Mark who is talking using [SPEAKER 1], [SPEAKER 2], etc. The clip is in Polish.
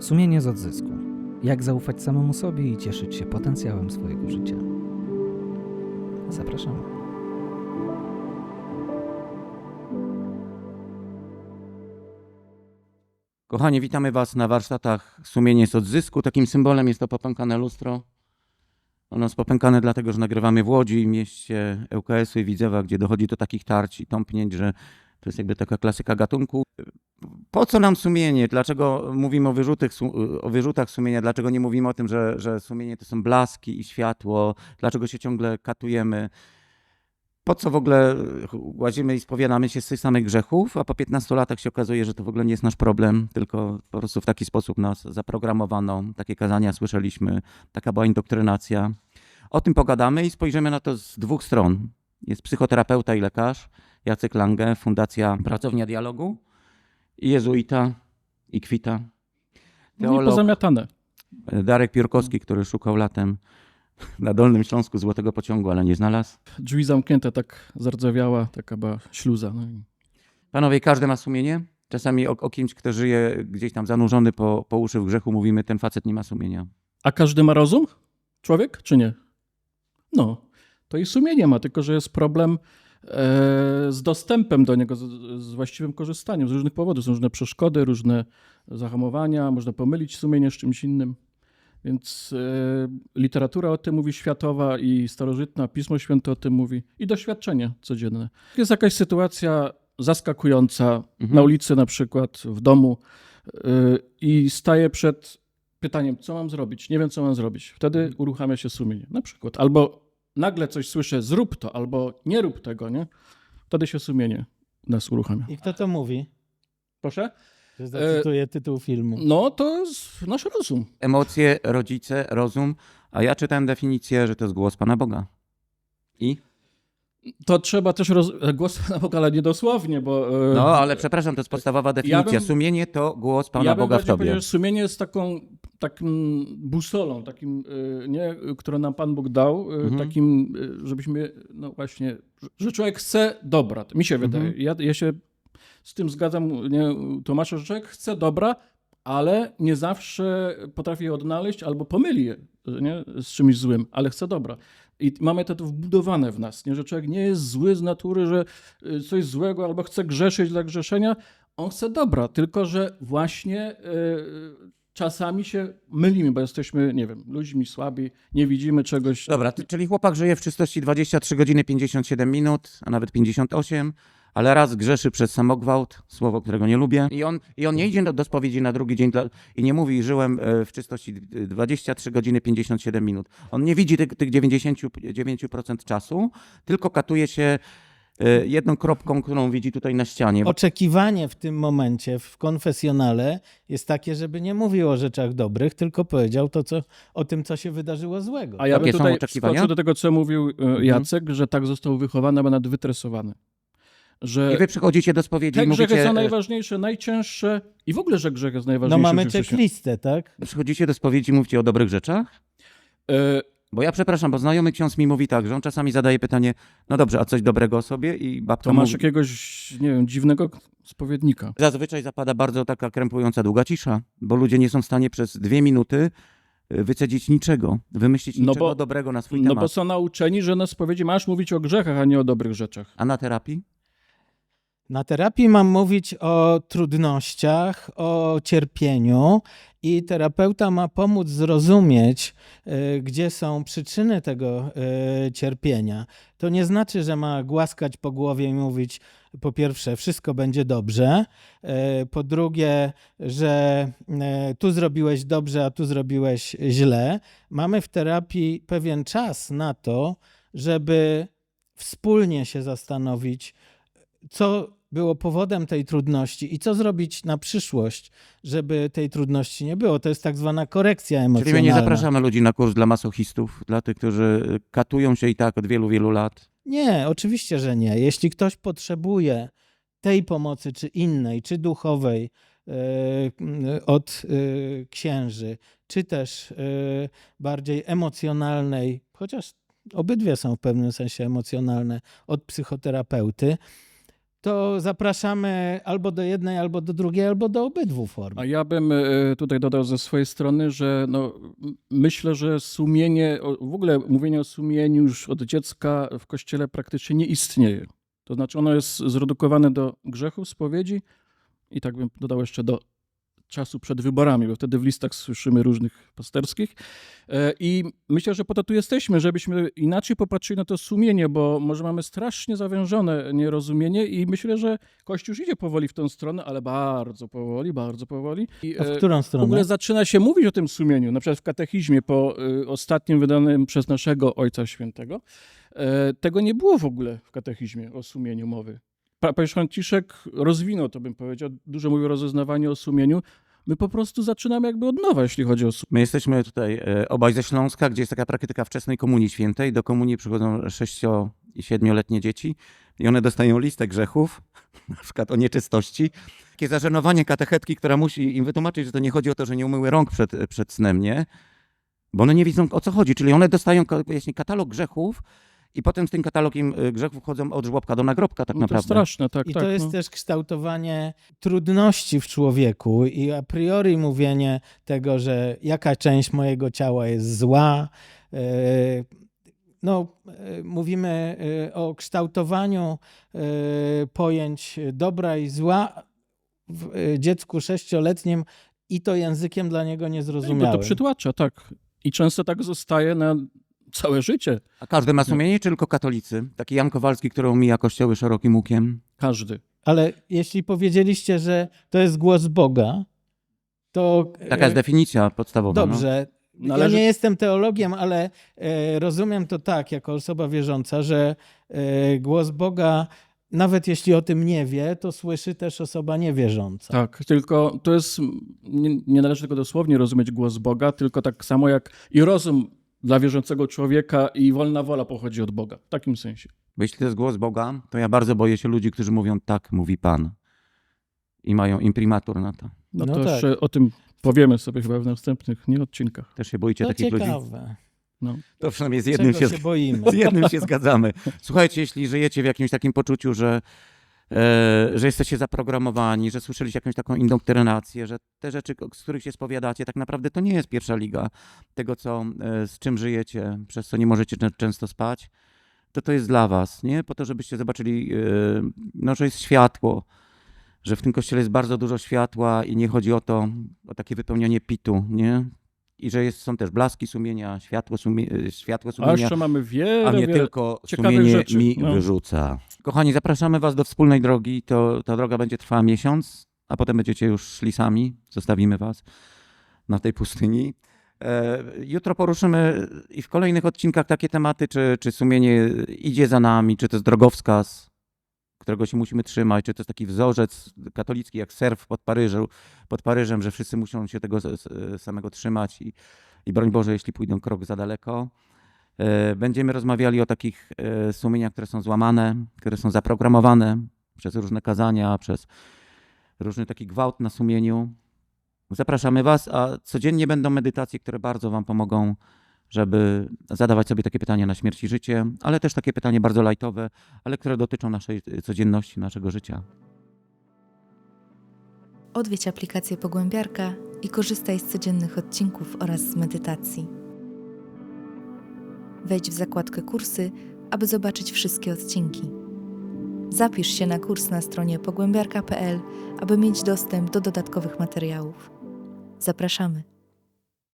[SPEAKER 1] Sumienie z odzysku. Jak zaufać samemu sobie i cieszyć się potencjałem swojego życia. Zapraszamy.
[SPEAKER 2] Kochani, witamy Was na warsztatach Sumienie z odzysku. Takim symbolem jest to popękane lustro. Ono jest popękane dlatego, że nagrywamy w Łodzi, mieście ŁKS-u i Widzewa, gdzie dochodzi do takich tarć i tąpnięć, że to jest jakby taka klasyka gatunku. Po co nam sumienie? Dlaczego mówimy o wyrzutach sumienia? Dlaczego nie mówimy o tym, że sumienie to są blaski i światło? Dlaczego się ciągle katujemy? Po co w ogóle łazimy i spowiadamy się z tych samych grzechów, a po 15 latach się okazuje, że to w ogóle nie jest nasz problem, tylko po prostu w taki sposób nas zaprogramowano. Takie kazania słyszeliśmy, taka była indoktrynacja. O tym pogadamy i spojrzymy na to z dwóch stron. Jest psychoterapeuta i lekarz Jacek Lange, Fundacja Pracownia Dialogu, i jezuita i kwita.
[SPEAKER 3] Nie pozamiatane.
[SPEAKER 2] Darek Piórkowski, który szukał latem na Dolnym Śląsku złotego pociągu, ale nie znalazł.
[SPEAKER 3] Drzwi zamknięte, tak zardzewiała, taka była śluza. No i...
[SPEAKER 2] Panowie, każdy ma sumienie? Czasami o kimś, kto żyje gdzieś tam zanurzony po uszy w grzechu, mówimy, ten facet nie ma sumienia.
[SPEAKER 3] A każdy ma rozum? Człowiek, czy nie? No, to i sumienie ma, tylko że jest problem z dostępem do niego, z właściwym korzystaniem. Z różnych powodów. Są różne przeszkody, różne zahamowania, można pomylić sumienie z czymś innym. Więc literatura o tym mówi światowa i starożytna, Pismo Święte o tym mówi i doświadczenie codzienne. Jest jakaś sytuacja zaskakująca na ulicy na przykład, w domu i staję przed pytaniem, co mam zrobić, nie wiem, co mam zrobić. Wtedy uruchamia się sumienie na przykład. Albo nagle coś słyszę, zrób to, albo nie rób tego, nie? Wtedy się sumienie nas uruchamia.
[SPEAKER 4] I kto to mówi?
[SPEAKER 3] Proszę?
[SPEAKER 4] Że zacytuję tytuł filmu.
[SPEAKER 3] No, to jest nasz rozum.
[SPEAKER 2] Emocje, rodzice, rozum, a ja czytałem definicję, że to jest głos Pana Boga. I?
[SPEAKER 3] To trzeba też głos Pana Boga, ale nie dosłownie, bo...
[SPEAKER 2] No, ale przepraszam, to jest podstawowa definicja.
[SPEAKER 3] bym-
[SPEAKER 2] Sumienie to głos Pana
[SPEAKER 3] ja bym
[SPEAKER 2] Boga w
[SPEAKER 3] bardziej
[SPEAKER 2] Tobie.
[SPEAKER 3] powiedział, że sumienie jest takim busolą, takim, nie, którą nam Pan Bóg dał, takim, żebyśmy, no właśnie, że człowiek chce dobra. Mi się wydaje. Ja się z tym zgadzam, nie, tłumaczę, że człowiek chce dobra, ale nie zawsze potrafi je odnaleźć albo pomyli je, nie, z czymś złym, ale chce dobra. I mamy to wbudowane w nas, nie, że człowiek nie jest zły z natury, że coś złego albo chce grzeszyć dla grzeszenia. On chce dobra, tylko że właśnie czasami się mylimy, bo jesteśmy, nie wiem, ludźmi słabi, nie widzimy czegoś.
[SPEAKER 2] Dobra, czyli chłopak żyje w czystości 23 godziny 57 minut, a nawet 58, ale raz grzeszy przez samogwałt, słowo, którego nie lubię. I on nie idzie do spowiedzi na drugi dzień i nie mówi, żyłem w czystości 23 godziny 57 minut. On nie widzi tych 99% czasu, tylko katuje się jedną kropką, którą widzi tutaj na ścianie.
[SPEAKER 4] Oczekiwanie w tym momencie w konfesjonale jest takie, żeby nie mówił o rzeczach dobrych, tylko powiedział o tym, co się wydarzyło złego.
[SPEAKER 3] A ja bym
[SPEAKER 2] Jakie są
[SPEAKER 3] tutaj
[SPEAKER 2] oczekiwania?
[SPEAKER 3] wskoczył do tego, co mówił Jacek, że tak został wychowany, a nawet wytresowany. Że
[SPEAKER 2] I wy przychodzicie do spowiedzi
[SPEAKER 3] te
[SPEAKER 2] i mówicie...
[SPEAKER 3] grzechy są najważniejsze, najcięższe i w ogóle, że grzech jest
[SPEAKER 4] No
[SPEAKER 3] najważniejszy.
[SPEAKER 4] mamy
[SPEAKER 3] w życiu.
[SPEAKER 4] checklistę, tak?
[SPEAKER 2] Przychodzicie do spowiedzi i mówicie o dobrych rzeczach?
[SPEAKER 3] E,
[SPEAKER 2] Bo ja przepraszam, bo znajomy ksiądz mi mówi tak, że on czasami zadaje pytanie, no dobrze, a coś dobrego o sobie? I babka
[SPEAKER 3] To masz
[SPEAKER 2] mówi...
[SPEAKER 3] jakiegoś, nie wiem, dziwnego spowiednika.
[SPEAKER 2] Zazwyczaj zapada bardzo taka krępująca długa cisza, bo ludzie nie są w stanie przez 2 minuty wycedzić niczego, wymyślić
[SPEAKER 3] No
[SPEAKER 2] niczego
[SPEAKER 3] bo-
[SPEAKER 2] dobrego na swój
[SPEAKER 3] No
[SPEAKER 2] temat.
[SPEAKER 3] bo są nauczeni, że na spowiedzi masz mówić o grzechach, a nie o dobrych rzeczach.
[SPEAKER 2] A na terapii?
[SPEAKER 4] Na terapii mam mówić o trudnościach, o cierpieniu i terapeuta ma pomóc zrozumieć, gdzie są przyczyny tego cierpienia. To nie znaczy, że ma głaskać po głowie i mówić, po pierwsze, wszystko będzie dobrze, po drugie, że tu zrobiłeś dobrze, a tu zrobiłeś źle. Mamy w terapii pewien czas na to, żeby wspólnie się zastanowić, co było powodem tej trudności i co zrobić na przyszłość, żeby tej trudności nie było. To jest tak zwana korekcja emocjonalna.
[SPEAKER 2] Czyli my nie zapraszamy ludzi na kurs dla masochistów, dla tych, którzy katują się i tak od wielu, wielu lat.
[SPEAKER 4] Nie, oczywiście, że nie. Jeśli ktoś potrzebuje tej pomocy, czy innej, czy duchowej od księży, czy też bardziej emocjonalnej, chociaż obydwie są w pewnym sensie emocjonalne, od psychoterapeuty, to zapraszamy albo do jednej, albo do drugiej, albo do obydwu form.
[SPEAKER 3] A ja bym tutaj dodał ze swojej strony, że myślę, że sumienie, w ogóle mówienie o sumieniu już od dziecka w Kościele praktycznie nie istnieje. To znaczy ono jest zredukowane do grzechów, spowiedzi i tak bym dodał jeszcze do czasu przed wyborami, bo wtedy w listach słyszymy różnych pasterskich. I myślę, że po to tu jesteśmy, żebyśmy inaczej popatrzyli na to sumienie, bo może mamy strasznie zawężone nierozumienie i myślę, że Kościół już idzie powoli w tę stronę, ale bardzo powoli, bardzo powoli. I,
[SPEAKER 4] A w którą
[SPEAKER 3] w
[SPEAKER 4] stronę?
[SPEAKER 3] ogóle zaczyna się mówić o tym sumieniu, na przykład w katechizmie po ostatnim wydanym przez naszego Ojca Świętego. Tego nie było w ogóle w katechizmie o sumieniu mowy. Papież Franciszek rozwinął, to bym powiedział, dużo mówił o rozeznawaniu, o sumieniu. My po prostu zaczynamy jakby od nowa, jeśli chodzi o sumienie.
[SPEAKER 2] My jesteśmy tutaj obaj ze Śląska, gdzie jest taka praktyka wczesnej komunii świętej. Do komunii przychodzą 6- i 7-letnie dzieci i one dostają listę grzechów, na przykład o nieczystości. Takie zażenowanie katechetki, która musi im wytłumaczyć, że to nie chodzi o to, że nie umyły rąk przed snem, nie? Bo one nie widzą, o co chodzi. Czyli one dostają właśnie katalog grzechów i potem z tym katalogiem grzechów chodzą od żłobka do nagrobka tak
[SPEAKER 3] To
[SPEAKER 2] naprawdę.
[SPEAKER 3] straszne, tak.
[SPEAKER 4] I
[SPEAKER 3] tak,
[SPEAKER 4] to jest też kształtowanie trudności w człowieku i a priori mówienie tego, że jaka część mojego ciała jest zła. Mówimy o kształtowaniu pojęć dobra i zła w dziecku 6-letnim i to językiem dla niego
[SPEAKER 3] Bo
[SPEAKER 4] niezrozumiałym.
[SPEAKER 3] to przytłacza, tak. I często tak zostaje na całe życie.
[SPEAKER 2] A każdy ma sumienie, czy tylko katolicy? Taki Jan Kowalski, który omija kościoły szerokim łukiem.
[SPEAKER 3] Każdy.
[SPEAKER 4] Ale jeśli powiedzieliście, że to jest głos Boga, to...
[SPEAKER 2] Taka jest definicja podstawowa. No.
[SPEAKER 4] Dobrze.
[SPEAKER 3] Należy-
[SPEAKER 4] Ja nie jestem teologiem, ale rozumiem to tak, jako osoba wierząca, że głos Boga, nawet jeśli o tym nie wie, to słyszy też osoba niewierząca.
[SPEAKER 3] Tak, tylko to jest, nie należy tego dosłownie rozumieć głos Boga, tylko tak samo jak i rozum dla wierzącego człowieka i wolna wola pochodzi od Boga. W takim sensie.
[SPEAKER 2] Bo jeśli to jest głos Boga, to ja bardzo boję się ludzi, którzy mówią tak, mówi Pan. I mają imprimatur na to.
[SPEAKER 3] No
[SPEAKER 4] No
[SPEAKER 3] to
[SPEAKER 4] tak.
[SPEAKER 3] jeszcze o tym powiemy sobie chyba w następnych odcinkach.
[SPEAKER 2] Też się boicie
[SPEAKER 4] To
[SPEAKER 2] takich ludzi?
[SPEAKER 4] ciekawe.
[SPEAKER 3] No.
[SPEAKER 2] To przynajmniej z jednym
[SPEAKER 4] Czego
[SPEAKER 2] się,
[SPEAKER 4] się boimy?
[SPEAKER 2] z jednym się zgadzamy. Słuchajcie, jeśli żyjecie w jakimś takim poczuciu, że jesteście zaprogramowani, że słyszeliście jakąś taką indoktrynację, że te rzeczy, z których się spowiadacie, tak naprawdę to nie jest pierwsza liga tego, z czym żyjecie, przez co nie możecie często spać, to jest dla was, nie? Po to, żebyście zobaczyli, że jest światło, że w tym kościele jest bardzo dużo światła i nie chodzi o o takie wypełnianie pitu, nie? I że są też blaski sumienia, światło
[SPEAKER 3] A
[SPEAKER 2] sumienia,
[SPEAKER 3] jeszcze mamy wiele,
[SPEAKER 2] a nie
[SPEAKER 3] wiele
[SPEAKER 2] tylko
[SPEAKER 3] ciekawych
[SPEAKER 2] sumienie
[SPEAKER 3] rzeczy.
[SPEAKER 2] mi
[SPEAKER 3] No.
[SPEAKER 2] wyrzuca. Kochani, zapraszamy was do wspólnej drogi. Ta droga będzie trwała miesiąc, a potem będziecie już szli sami. Zostawimy was na tej pustyni. Jutro poruszymy i w kolejnych odcinkach takie tematy, czy sumienie idzie za nami, czy to jest drogowskaz, którego się musimy trzymać, czy to jest taki wzorzec katolicki jak surf pod Paryżem, że wszyscy muszą się tego samego trzymać i broń Boże, jeśli pójdą krok za daleko. Będziemy rozmawiali o takich sumieniach, które są złamane, które są zaprogramowane przez różne kazania, przez różny taki gwałt na sumieniu. Zapraszamy was, a codziennie będą medytacje, które bardzo wam pomogą, żeby zadawać sobie takie pytania na śmierć i życie, ale też takie pytania bardzo lajtowe, ale które dotyczą naszej codzienności, naszego życia.
[SPEAKER 5] Odwiedź aplikację Pogłębiarka i korzystaj z codziennych odcinków oraz z medytacji. Wejdź w zakładkę Kursy, aby zobaczyć wszystkie odcinki. Zapisz się na kurs na stronie pogłębiarka.pl, aby mieć dostęp do dodatkowych materiałów. Zapraszamy!